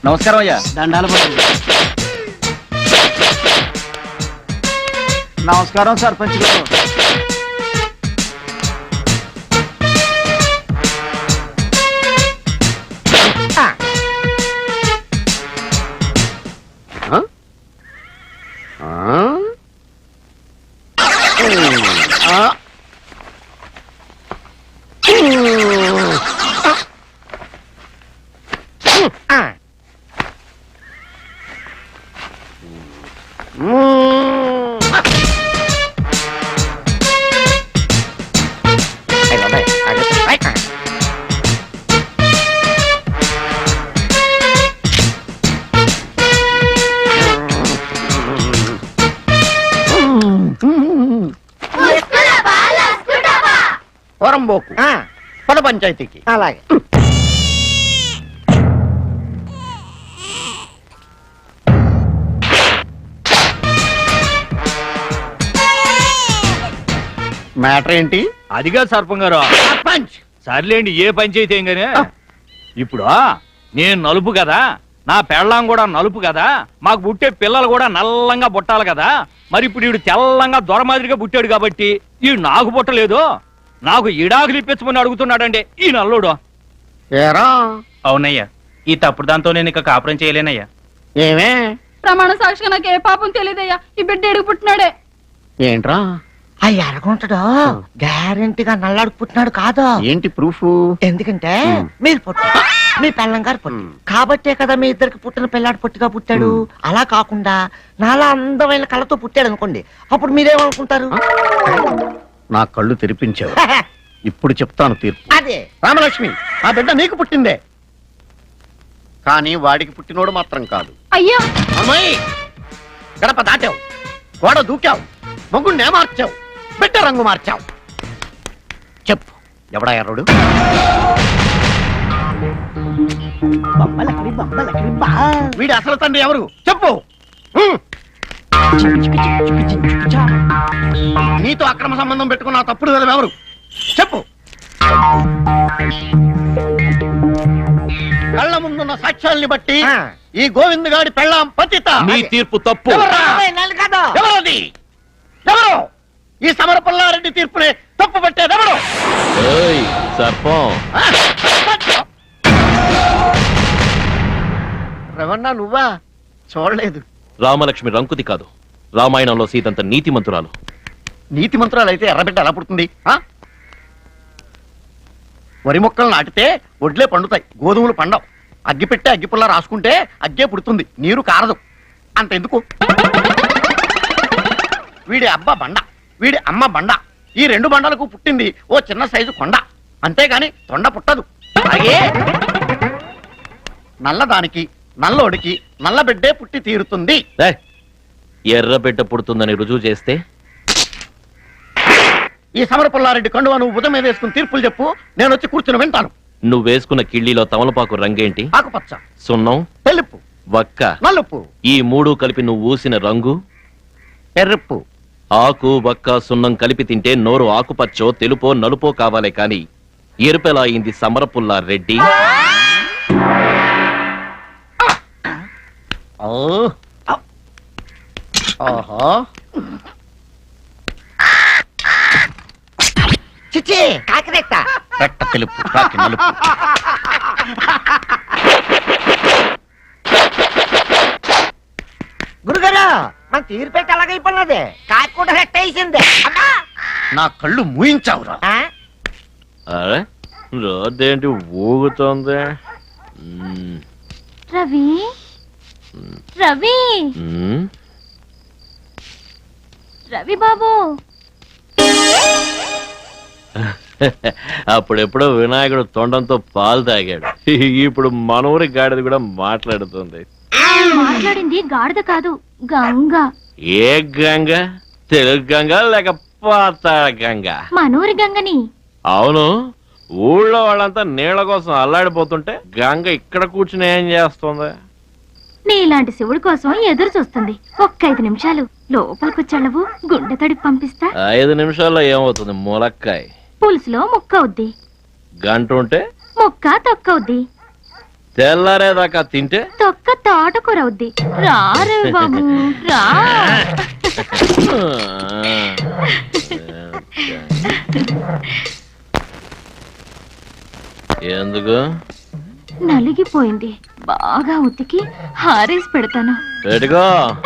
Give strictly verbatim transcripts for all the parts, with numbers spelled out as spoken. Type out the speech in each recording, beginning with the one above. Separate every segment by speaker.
Speaker 1: నమస్కారం అయ్యా.
Speaker 2: దండాలు పడుతుంది. నమస్కారం సర్పంచ్ గారు.
Speaker 1: వరంబోకు పద పంచాయతీకి.
Speaker 3: అలాగే.
Speaker 1: మ్యాటర్ ఏంటి?
Speaker 4: అదిగా సర్పం గారు.
Speaker 1: సర్పంచ్
Speaker 4: సర్లేండి, ఏ పంచాయతీ ఏం గానే. ఇప్పుడు నేను నలుపు కదా, నా పెళ్ళాం కూడా నలుపు కదా, మాకు పుట్టే పిల్లలు కూడా నల్లంగా పుట్టాలి కదా. మరి ఇప్పుడు ఈడు తెల్లంగా దొర మాదిరిగా పుట్టాడు కాబట్టి ఈ నాకు పుట్టలేదు, నాకు ఇడాకులు ఇప్పించమని అడుగుతున్నాడండి ఈ నల్లుడు.
Speaker 1: ఏరా?
Speaker 5: అవునయ్యా, ఈ తప్పుడు దాంతో నేను ఇక కాపురం చేయలేనయ్యా.
Speaker 1: ఏమే?
Speaker 6: ప్రమాణ సాక్షిగా నాకు ఏ పాపం తెలియదయ్యా. ఈ బిడ్డ ఎడుగు పుట్టినాడే.
Speaker 1: ఏంట్రా?
Speaker 3: అయ్యి అడగుంటాడు గ్యారెంటీగా నల్లాడు పుట్టినాడు కాదు.
Speaker 1: ఏంటి ప్రూఫ్?
Speaker 3: ఎందుకంటే మీరు పుట్ట మీ పెళ్ళం గారు పుట్టి కాబట్టే కదా మీ ఇద్దరికి పుట్టిన పిల్లాడు పొట్టిగా పుట్టాడు. అలా కాకుండా నాలా అందమైన కళ్ళతో పుట్టాడు అనుకోండి, అప్పుడు మీరేమనుకుంటారు?
Speaker 1: నా కళ్ళు తెరిపించావు. ఇప్పుడు చెప్తాను తీర్పు.
Speaker 3: అదే
Speaker 1: రామలక్ష్మి, ఆ బిడ్డ నీకు పుట్టిందే, కానీ వాడికి పుట్టినోడు మాత్రం కాదు.
Speaker 6: అయ్యా
Speaker 1: అమ్మాయి, గడప దాటావు, గోడ దూకావు, మొగ్గుండే మార్చావు, బిడ్డ రంగు మార్చావు. చెప్పు, ఎవడా ఎర్రడు? వీడి అసలు తండ్రి ఎవరు చెప్పు. నీతో అక్రమ సంబంధం పెట్టుకున్న తప్పుడు కదా ఎవరు చెప్పు. కళ్ళ ముందున్న సాక్ష్యాల్ని బట్టి ఈ గోవింద్ గాడి పెళ్ళాం పతిత.
Speaker 4: నీ తీర్పు తప్పు.
Speaker 1: ఎవరది? ఎవరు ఈ సమరపల్లారెడ్డి తీర్పుని తప్పు పెట్టేది ఎవరు?
Speaker 4: సర్పం
Speaker 1: రవణ, నువ్వా? చూడలేదు.
Speaker 7: రామలక్ష్మి రంకుతి కాదు, రామాయణంలో సీతంత నీతి మంతురాలు.
Speaker 1: నీతి మంత్రాలు అయితే ఎర్రబిడ్డ ఎలా పుడుతుంది? వరి మొక్కలు నాటితే ఒడ్లే పండుతాయి, గోధుమలు పండవు. అగ్గి పెట్టే అగ్గిపుల్ల రాసుకుంటే అగ్గే పుడుతుంది, నీరు కారదు. అంతెందుకు, వీడి అబ్బ బండ, వీడి అమ్మ బండ, ఈ రెండు బండలకు పుట్టింది ఓ చిన్న సైజు కొండ, అంతేగాని తొండ పుట్టదు. అలాగే నల్లదానికి నల్లోడికి నల్ల బిడ్డే పుట్టి తీరుతుంది.
Speaker 7: ఎర్ర బిడ్డ పుడుతుందని రుజువు చేస్తే
Speaker 1: ఈ సమరపుల్లారెడ్డి కండువా నువ్వు ఉదయం మీద వేసుకుని తీర్పులు చెప్పు, నేను వచ్చి కూర్చుని వింటాను.
Speaker 7: నువ్వు వేసుకున్న కిళ్ళీలో తమలపాకు రంగేంటి?
Speaker 1: ఆకుపచ్చ,
Speaker 7: సున్నం,
Speaker 1: తెలుపు,
Speaker 7: వక్క,
Speaker 1: నలుపు.
Speaker 7: ఈ మూడు కలిపి నువ్వు ఊసిన రంగు
Speaker 1: ఎర్రప్పు.
Speaker 7: ఆకు వక్క సున్నం కలిపి తింటే నోరు ఆకుపచ్చో తెలుపో నలుపో కావాలే కాని ఎరుపెలా అయింది సమరపుల్లారెడ్డి?
Speaker 3: చిచ్చి కాకిరెట్ట
Speaker 1: రెట్ట తెలుపు, కాకి నలుపు.
Speaker 3: గురుగారు మన తీరు పెట్టి అలాగైపోయినది, కాకి కూడా రెట్ట వేసింది.
Speaker 1: నా కళ్ళు మూయించావురా.
Speaker 7: అరే రోడ్డేంటి ఊగుతోంది?
Speaker 6: రవి రవి రవి బాబు,
Speaker 7: అప్పుడెప్పుడో వినాయకుడు తొండంతో పాలు తాగాడు, ఇప్పుడు మనూరి గాడిద కూడా మాట్లాడుతుంది.
Speaker 6: మాట్లాడింది గాడిద కాదు, గంగ.
Speaker 7: ఏ గంగ? తెలుగు గంగ లేక పాతాళ గంగ?
Speaker 6: మనూరి గంగని.
Speaker 7: అవును, ఊళ్ళో వాళ్ళంతా నీళ్ల కోసం అల్లాడిపోతుంటే గంగ ఇక్కడ కూర్చుని ఏం చేస్తుంది?
Speaker 6: నీలాంటి శివుడి కోసం ఎదురు చూస్తుంది. ఒక్క ఐదు నిమిషాలు లోపలికొచ్చాళ్ళవు, గుండె తడిపి పంపిస్తా.
Speaker 7: ఐదు నిమిషాల్లో ఏమవుతుంది? ములక్కాయ
Speaker 6: పులుసులో ముక్క అవుద్ది,
Speaker 7: గంట ఉంటే
Speaker 6: ముక్క తొక్కవుద్ది.
Speaker 7: తెల్లారేదాకా తింటే
Speaker 6: తొక్క తోటకూర అవుద్ది. రా రవి బాబు రా.
Speaker 7: ఎందుకు
Speaker 6: నలిగిపోయింది, బాగా ఉతికి హారేసి పెడతాను.
Speaker 7: పెట్టుకో.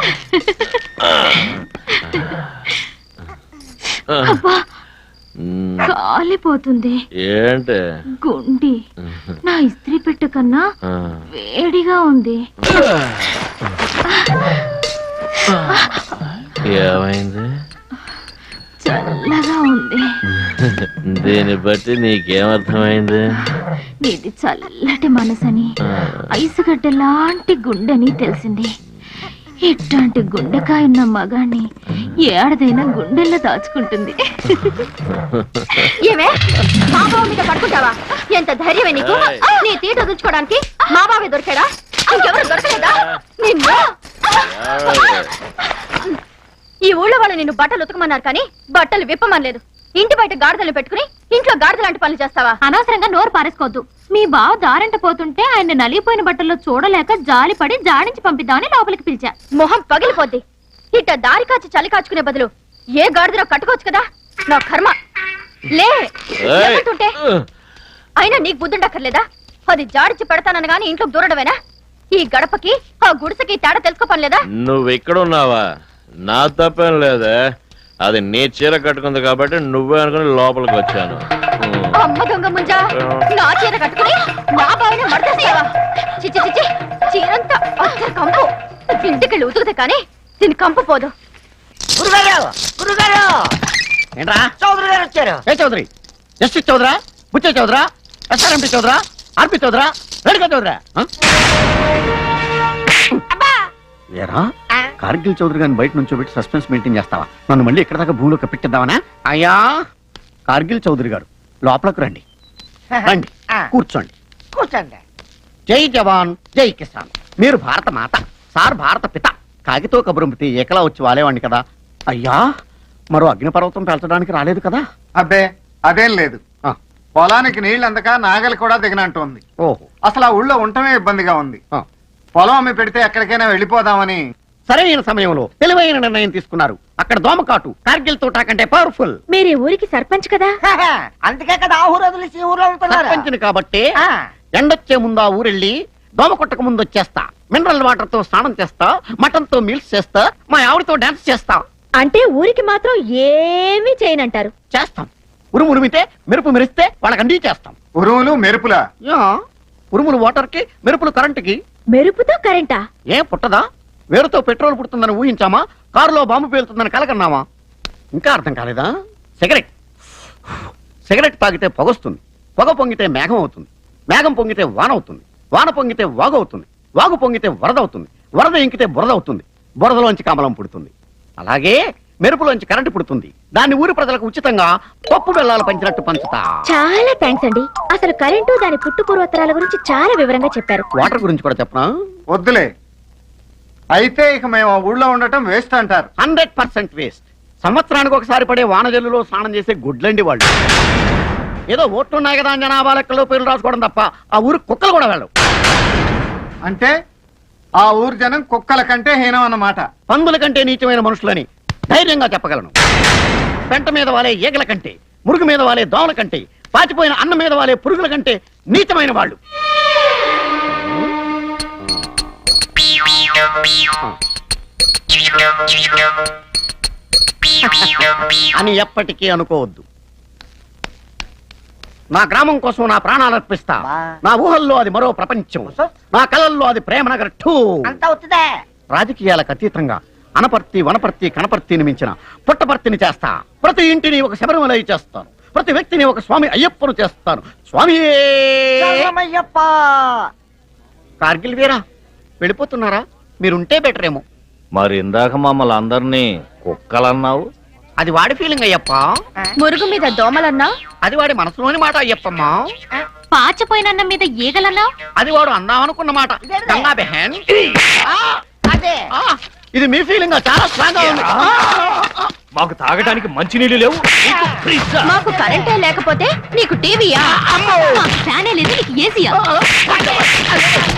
Speaker 6: అబ్బా
Speaker 7: మ్,
Speaker 6: కాలిపోతుంది.
Speaker 7: ఏంటి
Speaker 6: గుండి నా ఇస్త్రీ పెట్టె కన్నా
Speaker 7: ఆ,
Speaker 6: వేడిగా ఉంది.
Speaker 7: ఏమైంది?
Speaker 6: చల్లగా ఉంది.
Speaker 7: దీన్ని బట్టి నీకేమర్థమైంది?
Speaker 6: నీది చల్లటి మనసని,
Speaker 7: ఆ,
Speaker 6: ఐసుగడ్డ లాంటి గుండెని తెలిసింది. ఇట్లాంటి గుండెకాయ ఉన్న మగాన్ని ఏడదైనా గుండెల్లో దాచుకుంటుంది.
Speaker 8: ఏమే మా బావ మీద పడుకుంటావా? ఎంత ధైర్యమే నీకు?
Speaker 7: ఏయ్.
Speaker 8: నీ తీట వదులుకోవడానికి మా బావే దొరికాడా? ఇంకెవరు దొరకలేదా? నిన్ను ఈ ఊళ్ళో వాళ్ళు నిన్ను బట్టలు ఉతకమన్నారు కానీ బట్టలు విప్పమనలేదు. ఇంటి బయట గాడిదలు పెట్టుకుని ఇంట్లో గాడిద లాంటి పనులు చేస్తావా?
Speaker 6: అనవసరంగా నోరు పారేసుకోవద్దు. మీ బావ దారంట పోతుంటే ఆయన నలిగిపోయిన బట్టల్లో చూడలేక జాలిపడి జాడించి పంపిద్దామని లోపలికి పిలిచా.
Speaker 8: మొహం పగిలిపోద్ది. ఇట్ట దారి కాచి చలి కాచుకునే బదులు ఏ గాడిదలో కట్టుకోవచ్చు కదా. నా కర్మ. లే
Speaker 7: ఏయ్.
Speaker 8: లేకుంటుంటే అయినా నీకు బుద్ధుండక్కర్లేదా? అది జాడిచి పెడతానని గాని ఇంట్లో దూరడమేనా? ఈ గడపకి ఆ గుడిసెకి తేడా తెలుసుకో పనిలేదా?
Speaker 7: నువ్వు ఎక్కడున్నావా? నా తప్పేం లేదే, అది నీ చీర కట్టుకుంది కాబట్టి నువ్వే అనుకుని లోపలికి వచ్చాను. ఉమ్.
Speaker 8: అమ్మ దొంగ ముంజా, నా చీర కట్టుకుని నా బావిని మడతేసేవా? చిచ్చి చిచ్చి చీరంతా అచ్చర కంపు. ఇంటికెళ్ళి ఉతుకుతే కానీ దీని కంపు పోదు.
Speaker 3: గురుగారు గురుగారు
Speaker 1: ఏంట్రా?
Speaker 3: చౌదరి గారు వచ్చారు.
Speaker 1: ఏ చౌదరి? జస్టిస్ చౌదరా? బుచ్చే చౌదరా? ఎస్ఆర్ఎంపీ చౌదరా? ఆర్పి చౌదరా? రేణుకా చౌదరా? ఆ? ఏరా కార్గిల్ చౌదరి గారిని బయట నుంచో పెట్టి సస్పెన్స్ మెయింటైన్ చేస్తావా? నన్ను మళ్ళీ ఇక్కడ దాకా భూమిలో కప్పెట్టిద్దామనా? అయ్యా కార్గిల్ చౌదరి గారు లోపలకు రండి. రండి
Speaker 3: ఆ.
Speaker 1: కూర్చోండి.
Speaker 3: కూర్చోండి.
Speaker 1: జై జవాన్ జై కిసాన్. మీరు భారత మాత, సార్ భారత పిత. కాగితో కబురంపితే ఏకలా వచ్చి వాలేవాడిని కదా. అయ్యా మరో అగ్నిపర్వతం పెంచడానికి రాలేదు కదా?
Speaker 9: అబ్బే అదేం లేదు.
Speaker 1: ఆ.
Speaker 9: పొలానికి నీళ్ళు అందక నాగలి కూడా దిగనంటోంది.
Speaker 1: ఓహో.
Speaker 9: అసలు ఆ ఊళ్ళో ఉండటమే ఇబ్బందిగా ఉంది.
Speaker 1: ఆ.
Speaker 9: పొలం అమ్మి పెడితే ఎక్కడికైనా వెళ్ళిపోదామని.
Speaker 1: సరైన సమయంలో తెలివైన నిర్ణయం తీసుకున్నారు. అక్కడ దోమకాటు కార్గిల్ తోటా కంటే పవర్ఫుల్.
Speaker 8: మీరు ఈ ఊరికి సర్పంచ్ కదా?
Speaker 3: అందుకే కదా ఆ ఊరు వదిలేసి ఈ ఊర్లో ఉంటున్నారు.
Speaker 1: సర్పంచిని కాబట్టి
Speaker 3: ఆ.
Speaker 1: ఎండొచ్చే ముందు ఆ ఊరెళ్ళి దోమ కొట్టక ముందు వచ్చేస్తా. మినరల్ వాటర్ తో స్నానం చేస్తా, మటన్ తో మీల్స్ చేస్తా, మా ఆవిడతో డాన్స్ చేస్తా.
Speaker 8: అంటే ఊరికి మాత్రం ఏమీ చేయనంటారు.
Speaker 1: చేస్తాం. ఉరుము ఉరిమితే మెరుపు మెరిస్తే వాళ్ళకండి చేస్తాం.
Speaker 9: ఉరువులు మెరుపులా?
Speaker 1: యా, ఉరుములు వాటర్ కి, మెరుపులు కరెంటుకి.
Speaker 8: మెరుపుతో కరెంటా?
Speaker 1: ఏ పుట్టదా? వేరుతో పెట్రోల్ పుడుతుందని ఊహించామా? కారులో బాంబు పేలుతుందని కలకన్నామా? ఇంకా అర్థం కాలేదా? సిగరెట్ సిగరెట్ తాగితే పొగొస్తుంది, పొగ పొంగితే మేఘం అవుతుంది, మేఘం పొంగితే వాన అవుతుంది, వాన పొంగితే వాగు అవుతుంది, వాగు పొంగితే వరద అవుతుంది, వరద ఇంకితే బురద అవుతుంది, బురదలోంచి కమలం పుడుతుంది. అలాగే మెరుపులోంచి కరెంటు పుడుతుంది. దాన్ని ఊరి ప్రజలకు ఉచితంగా పప్పు బెల్లాలు పంచినట్టు పంచుతా.
Speaker 8: చాలా థ్యాంక్స్ అండి. అసలు కరెంటు దాని పుట్టు పూర్వోత్తరాల గురించి చాలా వివరంగా చెప్పారు.
Speaker 1: వాటర్ గురించి కూడా చెప్పనా?
Speaker 9: వద్దులే. అయితే ఇక మేము ఆ ఊళ్ళో ఉండటం వేస్ట్ అంటారు.
Speaker 1: Hundred percent waste. సంవత్సరానికి ఒకసారి పడే వానజల్లులో స్నానం చేసే గుడ్లండి వాళ్ళు. ఏదో ఓట్లున్నాయి కదా అని జనాభా లెక్కలో పేర్లు రాసుకోవడం తప్ప ఆ ఊరు కుక్కలు కూడా వెళ్ళవు.
Speaker 9: అంటే ఆ ఊరు జనం కుక్కల కంటే హీనం అన్నమాట.
Speaker 1: పందుల కంటే నీచమైన మనుషులని ధైర్యంగా చెప్పగలను. పెంట మీద వాలే ఈగల కంటే, మురుగు మీద వాలే దోమల కంటే, పాచిపోయిన అన్నం మీద వాలే పురుగుల కంటే నీచమైన వాళ్ళు. అని ఎప్పటికీ అనుకోవద్దు. నా గ్రామం కోసం నా ప్రాణాలు అర్పిస్తా. నా ఊహల్లో అది మరో ప్రపంచం, నా కళల్లో అది ప్రేమ నగర్ టూ.
Speaker 3: అంతా అవుతుందే.
Speaker 1: రాజకీయాలకు అతీతంగా అనపర్తి, వనపర్తి, కనపర్తిని మించిన పుట్టపర్తిని చేస్తా. ప్రతి ఇంటిని ఒక శబరిమల చేస్తాను. ప్రతి వ్యక్తిని ఒక స్వామి అయ్యప్పను చేస్తాను. స్వామి
Speaker 3: శరణమయ్యప్ప.
Speaker 1: కార్గిల్ వీరా వెళ్ళిపోతున్నారా? మీరుంటే బెటర్ ఏమో.
Speaker 7: మరి ఇందాక మమ్మల్ని అందరినీ కుక్కలన్నావు.
Speaker 1: అది వాడి ఫీలింగ్ అయ్యప్ప.
Speaker 8: మురుగు మీద దోమలన్నా?
Speaker 1: అది వాడి మనసులోని మాట అయ్యప్పమ్మా.
Speaker 6: పాచిపోయినన్నం మీద ఈగలన్నా?
Speaker 1: అది వాడు అందామనుకున్న మాట. గంగా బెహన్.
Speaker 3: అదే
Speaker 1: ఆ, ఇది మీ ఫీలింగ్ చాలా స్ట్రాంగ్ గా ఉంది.
Speaker 4: మాకు తాగడానికి మంచినీళ్ళు లేవు, నీకు ఫ్రిడ్జా?
Speaker 8: మాకు కరెంటే లేకపోతే నీకు టీవీయా?
Speaker 6: ఫ్యానే లేదు, నీకు ఏసీయా?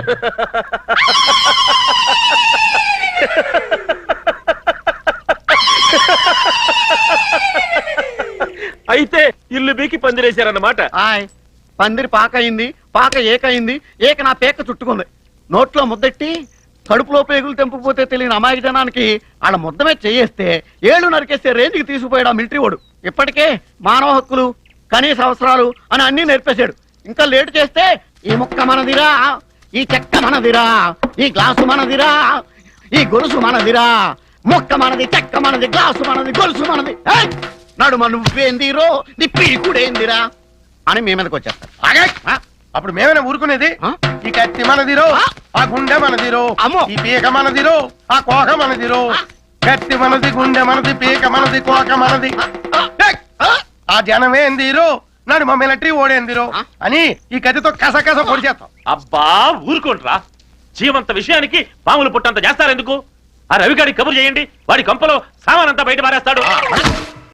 Speaker 7: అయితే ఇల్లు బీకి పందిరేశారన్నమాట.
Speaker 1: ఆయ్ పందిరి పాక అయింది, పాక ఏకయింది, ఏక నా పేక చుట్టుకుంది. నోట్లో ముద్దెట్టి కడుపులో పేగులు తెంపుకుపోతే తెలియని అమాయక జనానికి వాళ్ళ ముద్దమే చేయేస్తే ఏళ్ళు నరికేస్తే రేంజ్కి తీసుకుపోయాడు ఆ మిలిటరీ వాడు. ఇప్పటికే మానవ హక్కులు, కనీస అవసరాలు అని అన్ని నేర్పేశాడు. ఇంకా లేటు చేస్తే ఈ ముక్క మనదిరా, ఈ చెక్క మనదిరా, ఈ గ్లాసు మనదిరా, ఈ గొలుసు మనదిరా, ముక్క మనది, చెక్క మనది, గ్లాసు మనది, గొలుసు మనది, ఏయ్! నడుమ నువ్వేందిరో నీ పీకుడేందిరా అని మీ మీదకి వచ్చేస్తారు.
Speaker 2: ఆగే!
Speaker 1: ఆ?
Speaker 2: అప్పుడు మేమైనా ఊరుకునేది?
Speaker 1: ఆ?
Speaker 2: ఈ కత్తి మనదిరో, ఆ గుండె మనదిరో,
Speaker 1: అమ్మో!
Speaker 2: ఈ పీక మనదిరో, ఆ కోక మనదిరో. కత్తి మనది, గుండె మనది, పీక మనది, కోక మనది. ఏయ్! ఆ జనమేందిరో, నాడు మా మిలిటరీ ఓడేందిరో అని ఈ కత్తితో కస కస పొడి చేస్తాం.
Speaker 7: అబ్బా ఊరుకోండ్రా, జీవంత విషయానికి పాములు పుట్టంత చేస్తారెందుకు? ఆ రవిగాడి కబురు చేయండి, వాడి కంపలో సామానంతా బయట పారేస్తాడు.